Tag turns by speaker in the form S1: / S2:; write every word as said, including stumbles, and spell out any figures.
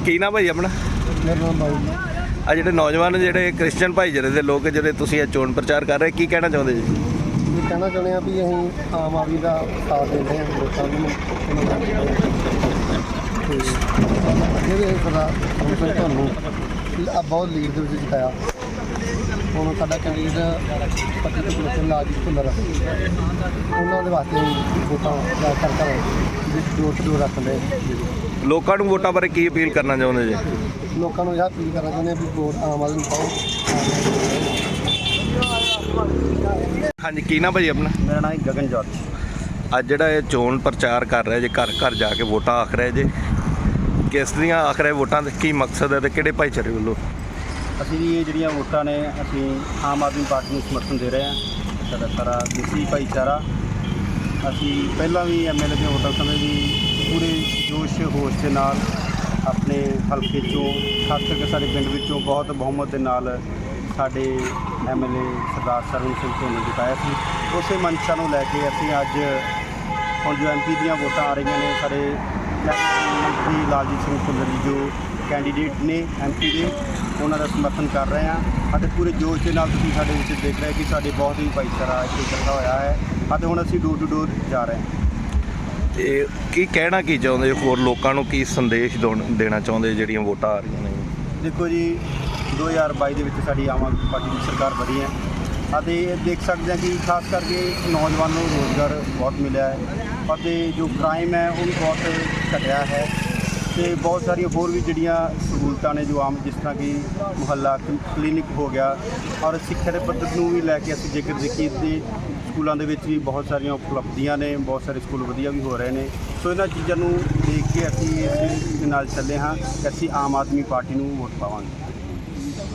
S1: ਕੀ ਨਾਮ ਭਾਈ ਆਪਣਾ?
S2: ਮੇਰਾ ਨਾਮ ਬਾਈ।
S1: ਆ ਜਿਹੜੇ ਨੌਜਵਾਨ ਜਿਹੜੇ ਕ੍ਰਿਸਚਨ ਭਾਈਚਾਰੇ ਦੇ ਲੋਕ ਜਿਹੜੇ ਤੁਸੀਂ ਇਹ ਚੋਣ ਪ੍ਰਚਾਰ ਕਰ ਰਹੇ, ਕੀ ਕਹਿਣਾ ਚਾਹੁੰਦੇ ਜੀ?
S2: ਇਹ ਕਹਿਣਾ ਚਾਹੁੰਦੇ ਹਾਂ ਵੀ ਅਸੀਂ ਆਮ ਆਦਮੀ ਦਾ ਸਾਥ ਦਿੰਦੇ ਹਾਂ ਲੋਕਾਂ ਨੂੰ ਤੇ ਇਹਦੇ ਸਦਾ ਹੁਣ ਤੁਹਾਨੂੰ ਆ ਬਹੁਤ ਲੀਡ ਦੇ ਵਿੱਚ ਜਿਤਾਇਆ। ਹੁਣ ਸਾਡਾ ਕੈਂਡੀਡੇਟ ਪੱਟੀ ਤੋਂ ਕਲੇਸ਼ਨ ਲਾਜੀਤ ਭੁੱਲਰ ਉਹਨਾਂ ਦੇ ਵਾਸਤੇ ਵੋਟਾਂ ਦਾ ਕਰ ਕਰ ਜੋਰ ਜੋਰ ਰੱਖਦੇ।
S1: ਲੋਕਾਂ ਨੂੰ ਵੋਟਾਂ ਬਾਰੇ ਕੀ ਅਪੀਲ ਕਰਨਾ ਚਾਹੁੰਦੇ ਜੀ?
S2: ਲੋਕਾਂ ਨੂੰ ਇਹ ਅਪੀਲ ਕਰਨਾ ਚਾਹੁੰਦੇ ਹਾਂ ਵੀ ਵੋਟ ਆਮ ਆਦਮੀ ਨੂੰ ਪਾਓ।
S1: ਹਾਂਜੀ, ਕੀ ਨਾਮ ਭਾਜੀ ਆਪਣਾ?
S2: ਮੇਰਾ ਨਾਮ ਗਗਨ ਜੋਤ।
S1: ਅੱਜ ਜਿਹੜਾ ਇਹ ਚੋਣ ਪ੍ਰਚਾਰ ਕਰ ਰਿਹਾ ਜੇ, ਘਰ ਘਰ ਜਾ ਕੇ ਵੋਟਾਂ ਆਖ ਰਿਹਾ ਜੇ, ਕਿਸ ਦੀਆਂ ਆਖ ਰਿਹਾ ਵੋਟਾਂ ਦੇ ਕੀ ਮਕਸਦ ਹੈ ਤੇ ਕਿਹੜੇ ਭਾਈਚਾਰੇ ਵੱਲੋਂ?
S2: ਅਸੀਂ ਵੀ ਇਹ ਜਿਹੜੀਆਂ ਵੋਟਾਂ ਨੇ ਅਸੀਂ ਆਮ ਆਦਮੀ ਪਾਰਟੀ ਨੂੰ ਸਮਰਥਨ ਦੇ ਰਹੇ ਹਾਂ। ਸਾਡਾ ਸਾਰਾ ਦੇਸੀ ਭਾਈਚਾਰਾ ਅਸੀਂ ਪਹਿਲਾਂ ਵੀ ਐਮ ਐਲ ਏ ਦੀਆਂ ਵੋਟਾਂ ਸਮੇਂ ਵੀ ਪੂਰੇ ਜੋਸ਼ ਹੋਸ਼ ਦੇ ਨਾਲ ਆਪਣੇ ਹਲਕੇ 'ਚੋਂ, ਖਾਸ ਕਰਕੇ ਸਾਡੇ ਪਿੰਡ ਵਿੱਚੋਂ ਬਹੁਤ ਬਹੁਮਤ ਦੇ ਨਾਲ ਸਾਡੇ M L A Sardar Sarwan Singh Dhoni ਨੂੰ ਜਿਤਾਇਆ ਸੀ। ਉਸੇ ਮਨਸ਼ਾ ਨੂੰ ਲੈ ਕੇ ਅਸੀਂ ਅੱਜ ਹੁਣ ਜੋ ਐਮ ਪੀ ਦੀਆਂ ਵੋਟਾਂ ਆ ਰਹੀਆਂ ਨੇ, ਸਾਡੇ ਮੰਤਰੀ ਲਾਲਜੀਤ ਸਿੰਘ ਭੁੱਲਰ ਜੀ ਜੋ ਕੈਂਡੀਡੇਟ ਨੇ ਐਮ ਪੀ ਦੇ, ਉਹਨਾਂ ਦਾ ਸਮਰਥਨ ਕਰ ਰਹੇ ਹਾਂ ਅਤੇ ਪੂਰੇ ਜੋਸ਼ ਦੇ ਨਾਲ ਤੁਸੀਂ ਸਾਡੇ ਵਿੱਚ ਦੇਖ ਰਹੇ ਕਿ ਸਾਡੇ ਬਹੁਤ ਹੀ ਭਾਈਚਾਰਾ ਇੱਥੇ ਇਕੱਠਾ ਹੋਇਆ ਹੈ ਅਤੇ ਹੁਣ ਅਸੀਂ ਡੋਰ ਟੂ ਡੋਰ ਜਾ ਰਹੇ ਹਾਂ।
S1: ਤੇ ਕੀ ਕਹਿਣਾ ਕੀ ਚਾਹੁੰਦੇ ਹੋਰ ਲੋਕਾਂ ਨੂੰ, ਕੀ ਸੰਦੇਸ਼ ਦੇਣਾ ਚਾਹੁੰਦੇ ਜਿਹੜੀਆਂ ਵੋਟਾਂ ਆ ਰਹੀਆਂ ਨੇ?
S2: ਦੇਖੋ ਜੀ, ਦੋ ਹਜ਼ਾਰ ਬਾਈ ਦੇ ਵਿੱਚ ਸਾਡੀ ਆਮ ਆਦਮੀ ਪਾਰਟੀ ਦੀ ਸਰਕਾਰ ਬਣੀ ਹੈ ਅਤੇ ਇਹ ਦੇਖ ਸਕਦੇ ਹਾਂ ਕਿ ਖਾਸ ਕਰਕੇ ਨੌਜਵਾਨਾਂ ਨੂੰ ਰੋਜ਼ਗਾਰ ਬਹੁਤ ਮਿਲਿਆ ਹੈ ਅਤੇ ਜੋ ਕ੍ਰਾਈਮ ਹੈ ਉਹ ਵੀ ਬਹੁਤ ਘਟਿਆ ਹੈ ਅਤੇ ਬਹੁਤ ਸਾਰੀਆਂ ਹੋਰ ਵੀ ਜਿਹੜੀਆਂ ਸਹੂਲਤਾਂ ਨੇ ਜੋ ਆਮ, ਜਿਸ ਤਰ੍ਹਾਂ ਕਿ ਮੁਹੱਲਾ ਕਲੀਨਿਕ ਹੋ ਗਿਆ, ਔਰ ਸਿੱਖਿਆ ਦੇ ਪੱਧਰ ਨੂੰ ਵੀ ਲੈ ਕੇ ਅਸੀਂ ਜੇਕਰ ਦੇਖੀਏ ਤੇ ਸਕੂਲਾਂ ਦੇ ਵਿੱਚ ਵੀ ਬਹੁਤ ਸਾਰੀਆਂ ਉਪਲਬਧੀਆਂ ਨੇ, ਬਹੁਤ ਸਾਰੇ ਸਕੂਲ ਵਧੀਆ ਵੀ ਹੋ ਰਹੇ ਨੇ। ਸੋ ਇਹਨਾਂ ਚੀਜ਼ਾਂ ਨੂੰ ਦੇਖ ਕੇ ਅਸੀਂ ਇਸ ਨਾਲ ਚੱਲੇ ਹਾਂ ਕਿ ਅਸੀਂ ਆਮ ਆਦਮੀ ਪਾਰਟੀ ਨੂੰ ਵੋਟ ਪਾਵਾਂਗੇ।